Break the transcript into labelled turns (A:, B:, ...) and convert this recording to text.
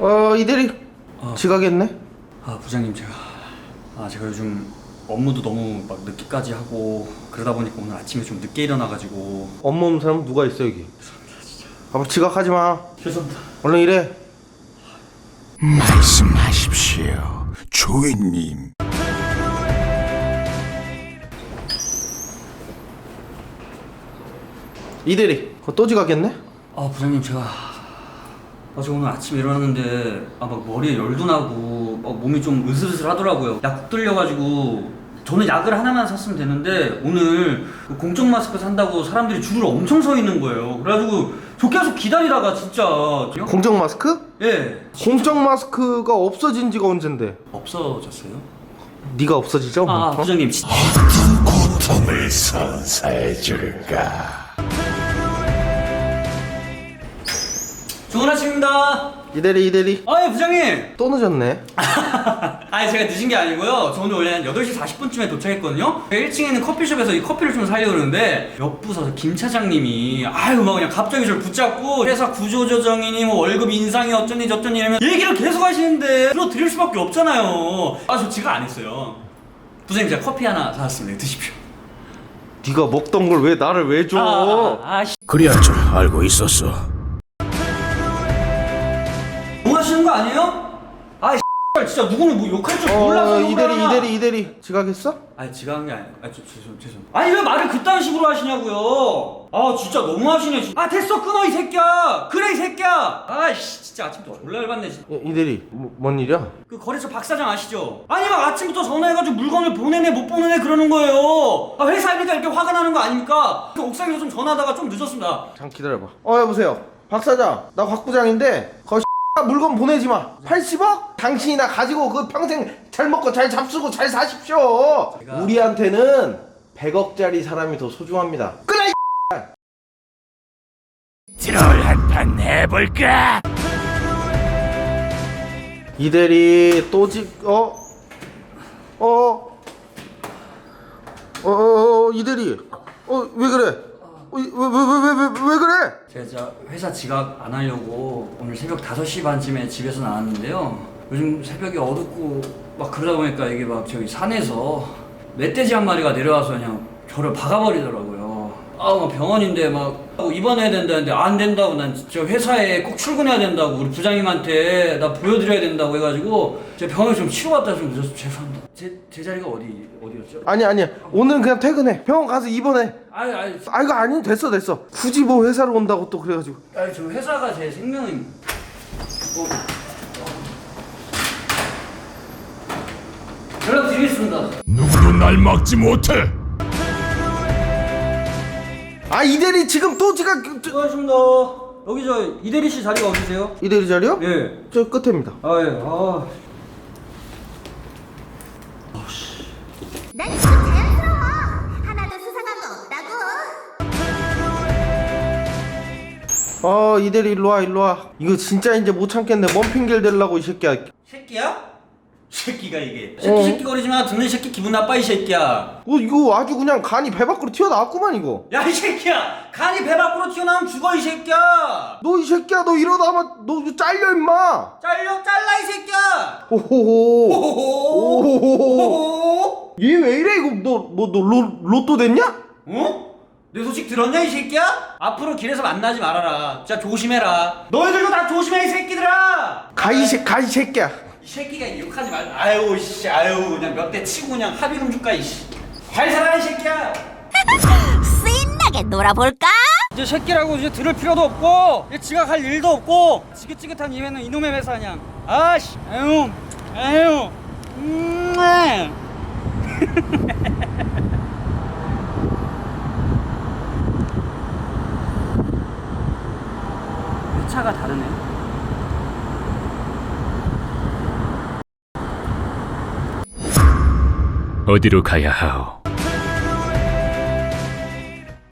A: 이대리 지각했네.
B: 부장님, 제가 요즘 업무도 너무 막 늦게까지 하고 그러다 보니까 오늘 아침에 좀 늦게 일어나가지고.
A: 업무 없는 사람 누가 있어 여기?
B: 죄송합니다, 진짜.
A: 봐봐, 지각하지 마.
B: 죄송합니다.
A: 얼른 일해.
C: 말씀하십시오, 주인님.
A: 이대리 그거 또 지각했네?
B: 부장님, 제가 오늘 아침에 일어났는데 막 머리에 열도 나고 막 몸이 좀 으슬으슬 하더라고요. 약 들려가지고 저는 약을 하나만 샀으면 되는데 오늘 그 공적 마스크 산다고 사람들이 줄을 엄청 서 있는 거예요. 그래가지고 저 계속 기다리다가 진짜.
A: 공적 마스크?
B: 예.
A: 공적 마스크가 없어진 지가 언젠데?
B: 없어졌어요?
A: 네가 없어지죠?
B: 부장님 진짜.
C: 어떤 고통을 선사해줄까?
B: 좋은 아침입니다.
A: 이대리
B: 예, 부장님.
A: 또 늦었네.
B: 제가 늦은 게 아니고요. 저 오늘 원래 한 8시 40분쯤에 도착했거든요. 1층에 있는 커피숍에서 이 커피를 좀 사려고 그러는데 옆 부서 김 차장님이 막 그냥 갑자기 저를 붙잡고 회사 구조조정이니 뭐 월급 인상이 어쩌니 저쩌니 이러면 얘기를 계속 하시는데 들어드릴 수밖에 없잖아요. 저 지각 안 했어요. 부장님, 제가 커피 하나 사왔습니다. 드십시오.
A: 네가 먹던 걸 왜 나를 왜 줘?
C: 그리할 줄 알고 있었어.
B: 뭐 하시는 거 아니에요? 진짜 누구는 뭐 욕할 줄 몰라서 욕을 하나.
A: 이대리 지각했어?
B: 지각한 게 아니에요. 죄송. 왜 말을 그딴 식으로 하시냐고요. 진짜 너무 하시네. 됐어, 끊어 이 새끼야. 그래 이 새끼야. 진짜 아침부터 졸라 열받네.
A: 이대리 뭔 일이야?
B: 그 거래처 박 사장 아시죠? 막 아침부터 전화해가지고 물건을 보내네 못 보내네 그러는 거예요. 회사이니까 이렇게 화가 나는 거 아닙니까? 그 옥상에서 좀 전화하다가 좀 늦었습니다.
A: 잠깐 기다려봐. 여보세요. 박 사장, 나 곽 부장인데 물건 보내지 마. 80억? 당신이나 가지고 그 평생 잘 먹고 잘 잡수고 잘 사십시오. 우리한테는 100억짜리 사람이 더 소중합니다. 끊어 이
C: 트롤 한판 해볼까?
A: 이대리 또 이대리 왜 그래? 왜 그래?
B: 제가 회사 지각 안 하려고 오늘 새벽 5시 반쯤에 집에서 나왔는데요. 요즘 새벽이 어둡고 막 그러다 보니까 이게 막 저기 산에서 멧돼지 한 마리가 내려와서 그냥 저를 박아버리더라고요. 병원인데 막 입원해야 된다는데 안 된다고, 난 저 회사에 꼭 출근해야 된다고 우리 부장님한테 나 보여드려야 된다고 해가지고 제가 병원에 좀 치러갔다 좀 늦어서 죄송합니다. 제 자리가 어디였죠?
A: 아니야. 오늘은 그냥 퇴근해. 병원 가서 입원해. 이거 아니 됐어. 굳이 뭐 회사로 온다고 또 그래가지고.
B: 저 회사가 제 생명입니다. 연락드리겠습니다.
C: 누구도 날 막지 못해.
A: 이대리 지금 또 지각.
B: 수고하셨습니다. 여기 저 이대리 씨 자리가 어디세요?
A: 이대리 자리요?
B: 예.
A: 저 끝입니다.
B: 예.
D: 난 지금 자연스러워. 하나도 수상한 거 없다고.
A: 이대리 일로 와. 이거 진짜 이제 못 참겠네. 뭔 핑계를 대려고 이 새끼야.
B: 새끼야? 새끼가 이게 새끼 거리지 마. 듣는 새끼 기분 나빠 이 새끼야.
A: 이거 아주 그냥 간이 배 밖으로 튀어나왔구만 이거.
B: 야 이 새끼야, 간이 배 밖으로 튀어나오면 죽어 이 새끼야.
A: 너 이 새끼야, 너 이러다 아마 너 잘려 임마.
B: 잘라 이 새끼야.
A: 호호호. 얘 왜 이래 이거? 너 로또 됐냐?
B: 내 소식 들었냐 이 새끼야? 앞으로 길에서 만나지 말아라. 진짜 조심해라. 너희들도 다 조심해 이 새끼들아.
A: 가 이 새끼야.
B: 이 새끼가 욕하지 말고. 그냥 몇 대 치고 그냥 합의금 줄까 이씨. 잘 살아 이 새끼야.
D: 신나게 놀아볼까?
B: 이제 새끼라고 이제 들을 필요도 없고 이제 지각할 일도 없고 지긋지긋한 이회는 이놈의 회사 그냥. 아유. 회차가 다르네.
E: 어디로 가야 하오?